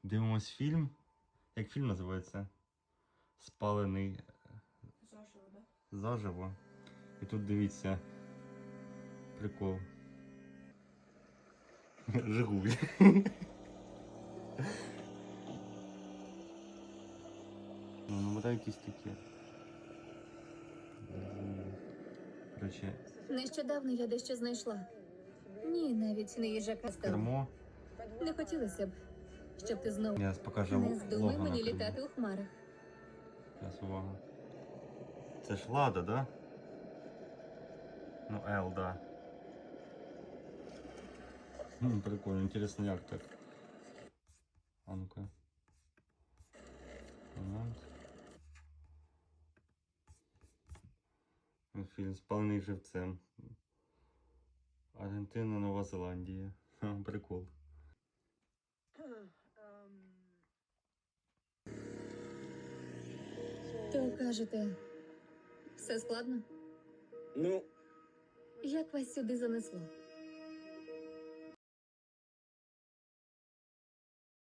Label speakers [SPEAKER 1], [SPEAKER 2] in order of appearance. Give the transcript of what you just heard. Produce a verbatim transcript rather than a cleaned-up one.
[SPEAKER 1] Дивимось фільм. Як фільм називається? Спалений
[SPEAKER 2] Заживо, да?
[SPEAKER 1] заживо. І тут дивіться. Прикол. Жигуль. Ну, номера якісь такі. Короче,
[SPEAKER 3] Нещодавно я дещо знайшла. Ні, навіть не їжака стала.
[SPEAKER 1] кермо.
[SPEAKER 3] Не хотілося б, щоб ти знову
[SPEAKER 1] Я покажу
[SPEAKER 3] не здумай
[SPEAKER 1] лого на
[SPEAKER 3] мені
[SPEAKER 1] кермо.
[SPEAKER 3] літати у хмарах.
[SPEAKER 1] Зараз, увага. Це ж Лада, да? Ну, L, да. Хм, прикольно, інтересно, як так. А ну-ка. Момент. Фільм «Спалений живцем». Аргентина, Нова Зеландія. Ха, прикол.
[SPEAKER 3] То кажете, все складно?
[SPEAKER 4] Ну,
[SPEAKER 3] Як вас сюди занесло?